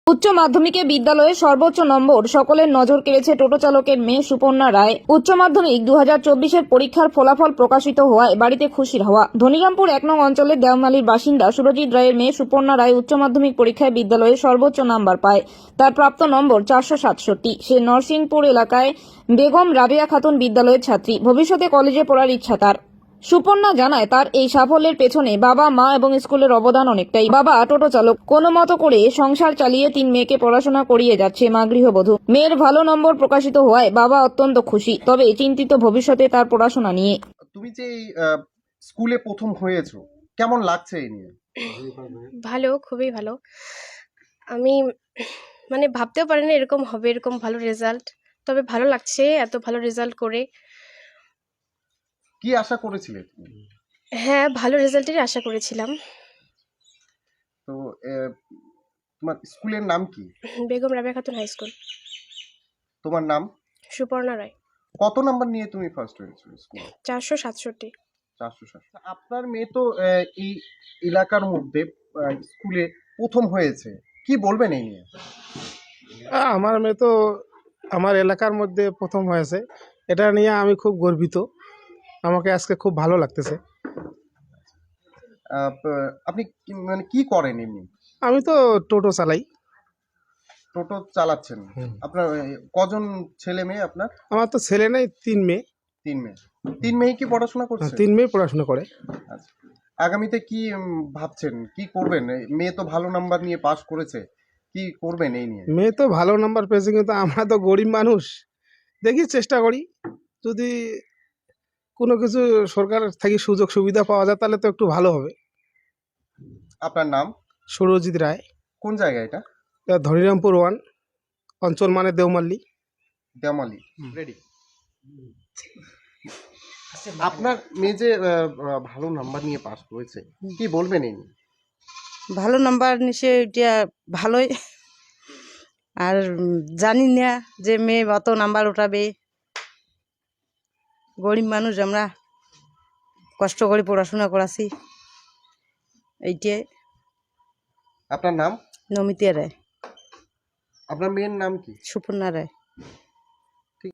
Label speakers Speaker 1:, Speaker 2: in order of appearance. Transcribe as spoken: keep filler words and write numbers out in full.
Speaker 1: উচ্চ মাধ্যমিকে বিদ্যালয়ে সর্বোচ্চ নম্বর সকলের নজর কেড়েছে টোটো চালকের মেয়ে সুপর্ণা রায়। উচ্চ মাধ্যমিক দু হাজার চব্বিশের পরীক্ষার ফলাফল প্রকাশিত হওয়ায় বাড়িতে খুশির হাওয়া। ধনিরামপুর এক নং অঞ্চলের দেওমালির বাসিন্দা সুরজিৎ রায়ের মেয়ে সুপর্ণা রায় উচ্চ মাধ্যমিক পরীক্ষায় বিদ্যালয়ে সর্বোচ্চ নাম্বার পায়। তার প্রাপ্ত নম্বর চারশো সাতষট্টি। সে নরসিংপুর এলাকায় বেগম রাবেয়া খাতুন বিদ্যালয়ের ছাত্রী। ভবিষ্যতে কলেজে পড়ার ইচ্ছা তার। সুপর্ণা জানায় তার এই সাফল্যের পেছনে বাবা মা এবং স্কুলের অবদান অনেকটাই। বাবা টোটো চালক, কোনো মতো করে সংসার চালিয়ে তিন মেয়েকে পড়াশোনা করিয়ে যাচ্ছে মা গৃহবধূ। মেয়ের ভালো নম্বর প্রকাশিত হওয়ায় বাবা অত্যন্ত খুশি, তবে চিন্তিত ভবিষ্যতে তার পড়াশোনা নিয়ে।
Speaker 2: তুমি যে এই আহ, স্কুলে প্রথম হয়েছো, কেমন লাগছে এই নিয়ে?
Speaker 3: ভালো, খুবই ভালো। আমি মানে ভাবতেও পারিনি এরকম হবে, এরকম ভালো রেজাল্ট। তবে ভালো লাগছে এত ভালো রেজাল্ট করে।
Speaker 2: কি আশা করেছিলে তুমি?
Speaker 3: হ্যাঁ, ভালো রেজাল্টেরই আশা করেছিলাম।
Speaker 2: তো আহ, তোমার স্কুলের নাম কি?
Speaker 3: Begum Rabeya Khatun high school.
Speaker 2: তোমার নাম?
Speaker 3: সুপর্ণা রায়।
Speaker 2: কত নাম্বার নিয়ে তুমি ফার্স্ট হয়েছো স্কুলে?
Speaker 3: চারশো সাতষট্টি।
Speaker 2: চারশো ষাট। আপনার মেয়ে তো আহ, এই এলাকার মধ্যে আহ, স্কুলে প্রথম হয়েছে, কি বলবেন এই নিয়ে?
Speaker 4: আ, আমার মেয়ে তো আমার এলাকার মধ্যে প্রথম হয়েছে, এটা নিয়ে আমি খুব গর্বিত। আমাকে আজকে খুব ভালো লাগতেছে।
Speaker 2: আহ, প- আপনি কি- মানে কি করেন এমনি?
Speaker 4: আমি তো টোটো চালাই।
Speaker 2: টোটো চালাচ্ছেন?
Speaker 4: হুম।
Speaker 2: আপনার আহ, কজন ছেলে মেয়ে আপনার?
Speaker 4: আমার তো ছেলে নেই, তিন মেয়ে।
Speaker 2: তিন মেয়ে। তিন মেয়ে কি পড়াশোনা
Speaker 4: হ্যাঁ,
Speaker 2: করছে?
Speaker 4: তিন মেয়ে পড়াশোনা করে।
Speaker 2: আচ্ছা। আগামীতে কি উম, ভাবছেন, কি করবেন? এই মেয়ে তো ভালো নাম্বার নিয়ে পাশ করেছে, কি করবেন এই নিয়ে?
Speaker 4: মেয়ে তো ভালো নাম্বার পেয়েছে, কিন্তু আমরা তো গরিব মানুষ। দেখি, চেষ্টা করি, যদি কোনো কিছু সরকার থেকে সুযোগ সুবিধা পাওয়া যায় তাহলে তো একটু ভালো হবে।
Speaker 2: আপনার নাম?
Speaker 4: সুরজিৎ রায়।
Speaker 2: কোন জায়গা এটা?
Speaker 4: এটা ধনিরামপুর ওয়ান, অঞ্চল মানে দেওমাল্লি।
Speaker 2: দেওমালি। রেডি। আপনার মেয়ে যে আহ, আহ, ভালো নাম্বার নিয়ে পাশ করেছে, কি বলবেন এই নিয়ে?
Speaker 5: ভালো নাম্বার নিশ্চয় এটা ভালোই। আর উম, জানি না যে মেয়ে অত নাম্বার উঠাবে। গরিব মানুষ আমরা, কষ্ট করে পড়াশোনা করাছি। এইটাই।
Speaker 2: আপনার নাম?
Speaker 5: নমিতা রায়।
Speaker 2: আপনার মেয়ের নাম কি?
Speaker 5: সুপর্ণা রায়।